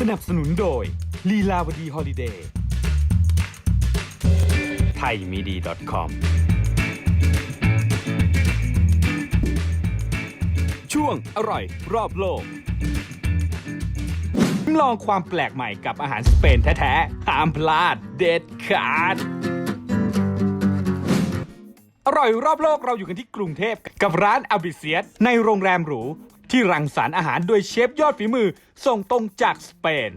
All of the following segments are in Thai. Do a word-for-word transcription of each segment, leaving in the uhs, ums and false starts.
นับสนุนโดยลีลาวดีฮอลิเดย์ไทยมีดี .com ช่วงอร่อยรอบโลกลองความแปลกใหม่กับอาหารสเปนแท้ๆห้ามพลาดเด็ดขาดอร่อยรอบโลกเราอยู่กันที่กรุงเทพกับร้านอาบิเซียสในโรงแรมหรูที่รังสรรค์อาหารโดยเชฟยอดฝีมือส่งตรงจากสเปน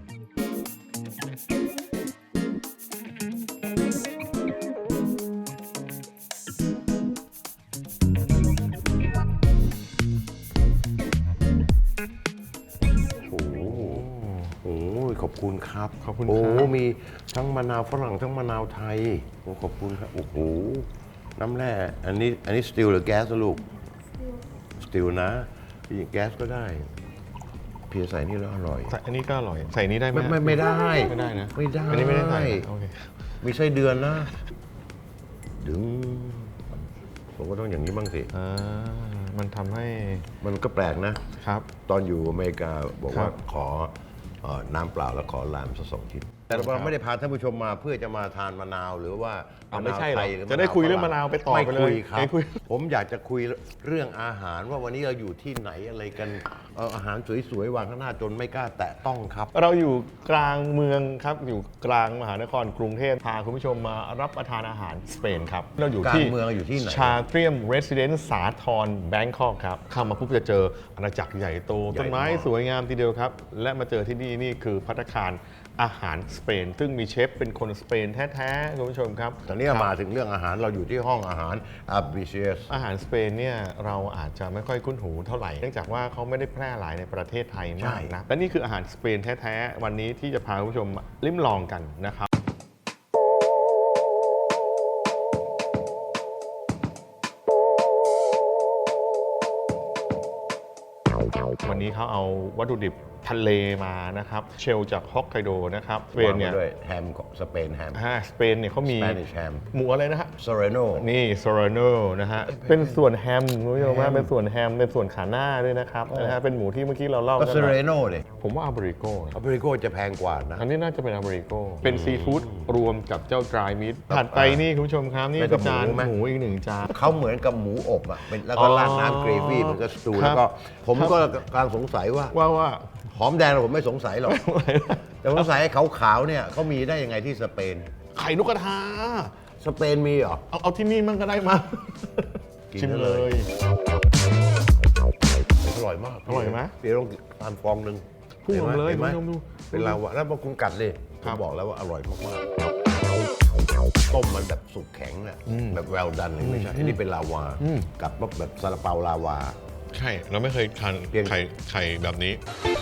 โอ้โหโอ้ยขอบคุณครับขอบคุณโอ้ครับมีทั้งมะนาวฝรั่งทั้งมะนาวไทยโอ้ขอบคุณครับโอ้โหน้ำแร่อันนี้อันนี้สติลหรือแก๊สลูกสติลนะอย่างแก๊สก็ได้เพียใส่นี่แล้วอร่อยใส่อันนี้ก็อร่อย ใส่นี้ได้ไหมไม่ไม่ไม่ได้ไม่ได้นะไม่ได้อันนี้ไม่ได้ใส่นะโอเคมีไส้เดือนนะดึงผมก็ต้องอย่างนี้บ้างสิอ่ามันทำให้มันก็แปลกนะครับตอนอยู่อเมริกาบอกว่าครับขอเอ่อน้ำเปล่าแล้วขอลามสักสองชิ้นแต่เราไม่ได้พาท่านผู้ชมมาเพื่อจะมาทานมะนาวหรือว่าเอามะไม่นาวใช่หรไทอกยหรือจะได้คุยเรื่องมะนาวไปต่อไม่ไปเลยคุยครับไม่คุยผมอยากจะคุยเรื่องอาหารว่าวันนี้เราอยู่ที่ไหนอะไรกันเอาอาหารสวยๆวางข้างหน้าจนไม่กล้าแตะต้องครับเราอยู่กลางเมืองครับ อยู่กลางมหานครกรุงเทพพาคุณผู้ชมมารับประทานอาหารสเปนครับ เราอยู่ที่กลางเมืองอยู่ที่ไหนชาเตรียมเรสซิเดนซ์สาทรแบงคอกครับ เข้ามาปุ๊บจะเจออาณาจักรใหญ่โตใหญ่ต้นไม้มากสวยงามทีเดียวครับ และมาเจอที่นี่นี่คือภัตตาคารอาหารสเปน ซึ่งมีเชฟเป็นคนสเปนแท้ๆคุณผู้ชมครับตอนนี้มาถึงเรื่องอาหารเราอยู่ที่ห้องอาหารอาบิเชสอาหารสเปนเนี่ยเราอาจจะไม่ค่อยคุ้นหูเท่าไหร่ เนื่องจากว่าเขาไม่ได้แพร่หลายในประเทศไทยมากนะและนี่คืออาหารสเปนแท้ๆวันนี้ที่จะพาคุณผู้ชมลิ้มลองกันนะครับวันนี้เขาเอาวัตถุดิบทะเลมานะครับเชลจากฮอกไกโดนะครับสเปนเนี่ยด้วยแฮมของสเปนแฮมอ่าสเปนเนี่ยเขามี Spanish ham หมูอะไรนะฮะโซเรโนนี่โซราโนนะฮะ เป็นส่วนแฮมคุณผู้ชมว่าเป็นส่วนแฮม เป็นส่วนขาหน้าด้วยนะครับนะฮะเป็นหมูที่เมื่อกี้เราเล่าก็กันโซเรมาโนเลยผมว่าอาบริโกอเมริโกจะแพงกว่านะอันนี้น่าจะเป็นอาบริโก เป็นซีฟู้ดรวมกับเจ้าดรายมิตถัดไปนี่คุณผู้ชมครับ นี่เป็นคืกัอบ จานหมูไหมหมูอีกหนึ่งจานเขาเหมือนกับหมูอบอ่ะเป็นแล้วก็อ๋อราดน้ำเกรวี่มันก็สตูครับแล้วก็ผมครับก็กำลังสงสัยว่าว่าว่าหอมแดงผมไม่สงสัยหรอก แต่ผมสงสัยไอ้ขาวๆเนี่ยเขามีได้ยังไงที่สเปนไข่นกกระทาสเปนมีเหรอเอาเอาที่นี่มันก็ได้มากินชิมได้เลเลยยอร่อยมากอร่อยไหมเดี๋ยวลองทานฟองหนึ่งพุ่งออกมาเลยห็นไหมคุณผู้ชมดูเป็นลาวะแล้วพอคุณกัดเลยครัผมบบอกแล้วว่าอร่อยมากๆต้มมันแบบสุกแข็งน่ะอืมแบบแวลดันเลยไม่ใช่อันนี้เป็นลาวาอืมกับแบบซาลาเปาลาวาใช่ เราไม่เคยทานเพียงไข่ไข่แบบนี้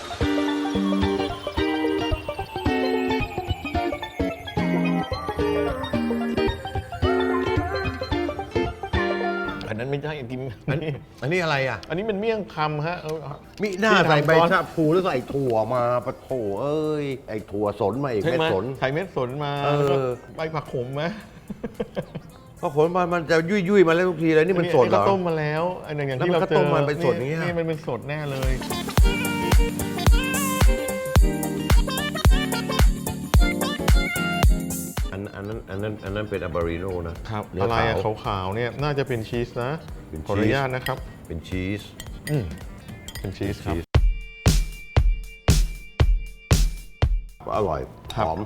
อันนั้นไม่ใช่กินอันนี้อันนี้อะไรอ่ะอันนี้เป็นเมี่ยงคำฮะเอามิหน้าที่ทำใส่ใบซอสชะพูแล้วใส่ถั่วมาปะโถเอ้ยไอ้ถั่วสนมาอีกใช่เม็ดไหมสนใส่เม็ดสนมาเออแล้วก็ใบผักขมไหมพอขนมามันจะยุ่ยยุ่ยๆมาแล้วทุกทีเลยนี่มันสดเหรก็อต้มมาแล้วอันอย่างอย่างที่แล้วเรามันก็เจอต้มมาเป็นสดอย่างเงี้ยนี่มันเป็นสดแน่เลยอันอันนั้นอันนั้นอันนั้นเป็นอาบาริโนนะครับ เนื้อะไรอะขาวขาวๆเนี่ยน่าจะเป็นชีสนะเป็นขออนุชีสญาตนะครับเป็นชีสอืมเป็นชีสครับอร่อยครับหอม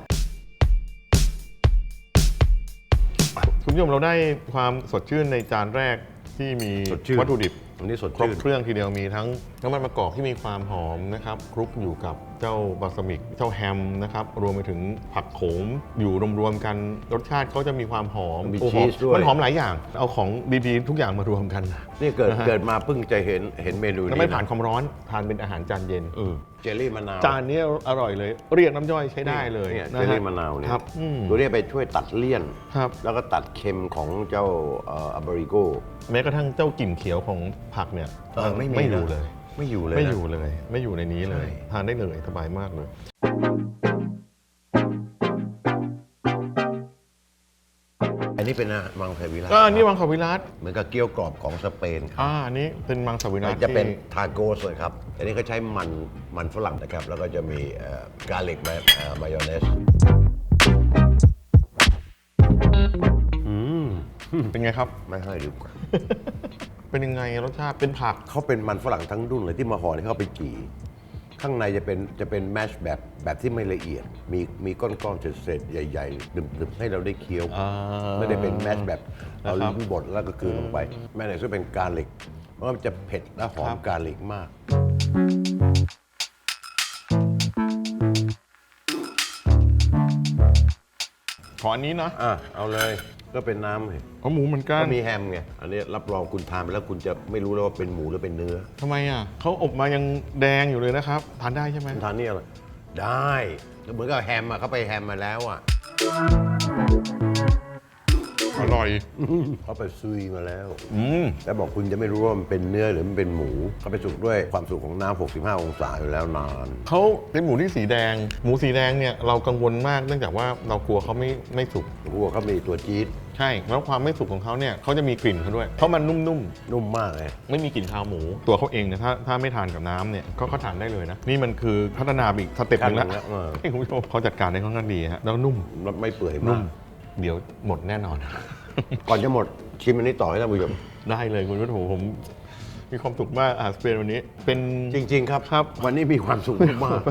คุณผู้ชมเราได้ความสดชื่นในจานแรกที่มีสดชื่นวัตถุดิบอันนี้สดครบชื่นเครื่องทีเดียวมีทั้งน้ำมันมะกอกที่มีความหอมนะครับคลุกอยู่กับเจ้าบาสมิกเจ้าแฮมนะครับรวมไปถึงผักโขมอยู่รวมๆกันรสชาติเขาจะมีความหอมมีโอ้หชีอมสด้วยมันหอมหลายอย่าง เอาของดีๆทุกอย่างมารวมกันนี่เกิดนะฮะเกิดมาเพิ่งจะเห็นเห็นเมนูแล้วนี้ไม่ผ่านนะความร้อนทานเป็นอาหารจานเย็นเจลลี่มะนาวจานนี้อร่อยเลย เรียกน้ำย่อยใช้ได้เลยเนี่ยนะเจลฮะลี่มะนาวเนี่ยครับอืมตัวนี้ไปช่วยตัดเลี่ยนครับแล้วก็ตัดเค็มของเจ้าอาบาริโกแม้กระทั่งเจ้ากลิ่นเขียวของผักเนี่ยเออไม่มีไม่อยู่นะเลยไม่อยู่เลยไม่นะอยู่เลย ไม่อยู่ในนี้เลยใช่ทานได้เลยสบายมากเลยอันนี้นี้เป็นอามังสวิรัติก็อันนี้มังสวิรัติเหมือนกับเกี๊ยวกรอบของสเปนครับอ่าอันนี้เป็นมังสวิรัติจะเป็นที่ทาโก้เลยครับ อันนี้เขาใช้มันมันฝรั่งนะครับ แล้วก็จะมีกาลิกมายองเนสเป็นไงครับไม่ให้ดีกว่าเป็นยังไงรสชาติเป็นผักเขาเป็นมันฝรั่งทั้งรุ่นเลยที่มาห่อที่เขาไปจี่ข้างในจะเป็นจะเป็นแมชแบบแบบที่ไม่ละเอียด มีมีก้อนๆเศษๆใหญ่ๆดึบๆให้เราได้เคี้ยวอ่าไม่ได้เป็นแมชแบบเอานะครับลิ้นบดแล้วก็กลืนลงไป แม่ไหนซึ่งเป็นกาลิกเพราะว่ามันจะเผ็ดและหอครัมบกาลิกมากขออันนี้นะอ่ะ เอาเลยก็เป็นน้ำเลยเอาหมูเหมือนกัก็นมีแฮมไง อันนี้รับรองคุณทานไปแล้วคุณจะไม่รู้แล้วว่าเป็นหมูหรือเป็นเนื้อทำไมอ่ะเขาอบมายังแดงอยู่เลยนะครับ ทานได้ใช่ไหมคุณทานนี่อะไรได้เหมือนกับแฮมอ่ะเขาไปแฮมมาแล้วอ่ะอร่อยเขาไปซุยมาแล้วอืมแล้วบอกคุณจะไม่รู้ว่ามันเป็นเนื้อหรือมันเป็นหมูเขาไปสุกด้วยความสุกของน้ำหกสิบห้าองศาอยู่แล้วนานเขาเป็นหมูที่สีแดง หมูสีแดงเนี่ยเรากังวลมากเนื่องจากว่าเรากลัวเขาไม่ไม่สุกพวกเขามีตัวจี๊ดใช่ แล้วความไม่สุกของเขาเนี่ยเขาจะมีกลิ่นเขาด้วย เพราะมันนุ่มนุ่มมากเลยๆ ไม่มีกลิ่นคาวหมู ตัวเขาเองเนี่ยถ้าถ้าไม่ทานกับน้ำเนี่ยก็เขาทานได้เลยนะ นี่มันคือพัฒนาไปอีกสเต็ปหนึงแล้วขั้นหนึ่งแล้วเออให้คุณผู้ชมเขาจัดการได้ค่อนข้างดีฮะแล้วนุ่มแล้วไม่เปื่อยนุ่มาม กเดี๋ยวหมดแน่นอนก่อนจะหมดชิมอันนี้ต่อให้ท่านผู้ชมได้เลยคุณผู้ชมผมมีความสุขมากอาหารสเปนวันนี้ เป็นจริง ๆ ครับครับวันนี้มีความสุขมาก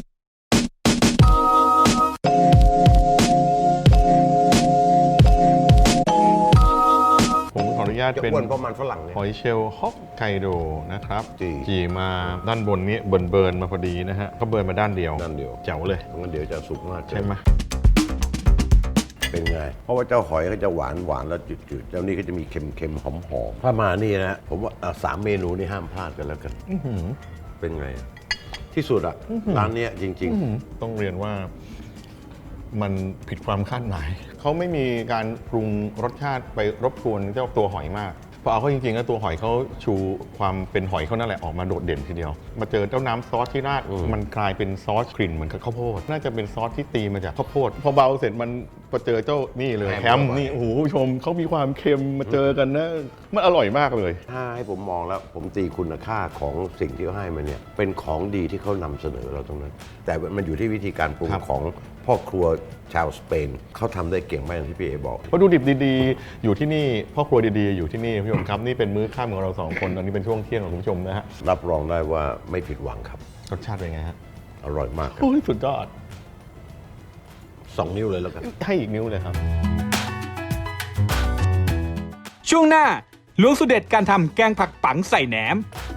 ผมขออนุญาตจะเป็นอ้วนเพราะมันฝรั่งเนี่ยหอยเชลล์ฮอกไกโดนะครับจีจีมาด้านบนนี้เบิร์นเบิร์นๆมาพอดีนะฮะก็เบิร์นมาด้านเดียวด้านเดียวแจ๋วเลยงั้นเดี๋ยวจะสุกมากเกินใช่ไหมเป็นไง เพราะว่าเจ้าหอยก็จะหวานหวานแล้วจืดๆเจ้านี่ก็จะมีเค็มเค็มหอมหอมถ้ามานี่นะผมว่าอ่ะสามเมนูนี่ห้ามพลาดกันแล้วกันอื้อหือเป็นไง ที่สุดอะร้านเนี้ยจริงอื้อหือต้องเรียนว่ามันผิดความคาดหมาย เขาไม่มีการปรุงรสชาติไปรบกวนเจ้าตัวหอยมากพอเอาเข้าจริงๆแล้วตัวหอยเขาชูความเป็นหอยเขานั่นแหละออกมาโดดเด่นทีเดียว มาเจอเจ้าน้ำซอสที่ราดมันกลายเป็นซอสกลิ่นเหมือนกับข้าวโพดน่าจะเป็นซอสที่ตีมาจากข้าวโพดพอเบาเสร็จมันพอเจอเจ้านี่เลยแฮมนี่โอ้โหผู้ชมเขามีความเค็มมาเจอกันนะมันอร่อยมากเลยๆ ถ้าให้ผมมองแล้ว ผมตีคุณค่าของสิ่งที่เขาให้มาเนี่ย เป็นของดีที่เขานำเสนอเราตรงนั้น แต่มันอยู่ที่วิธีการปรุงครับของพ่อครัวชาวสเปน เขาทำได้เก่งมากอย่างที่พี่เอบอกวัตถุดิบดีๆ อยู่ที่นี่พ่อครัวดีๆ อยู่ที่นี่คุณผู้ชมครับนี่เป็นมื้อค่ำของเราสองคนตอนนี้เป็นช่วงเที่ยงของคุณผู้ชมนะฮะรับรองได้ว่าไม่ผิดหวังครับรสชาติเป็นไงฮะอร่อยมากครับโอ้ยสุดยอดสองนิ้วเลยแล้วกันให้อีกนิ้วเลยครับช่วงหน้าล้วงสูตรเด็ดการทำแกงผักปังใส่แหนม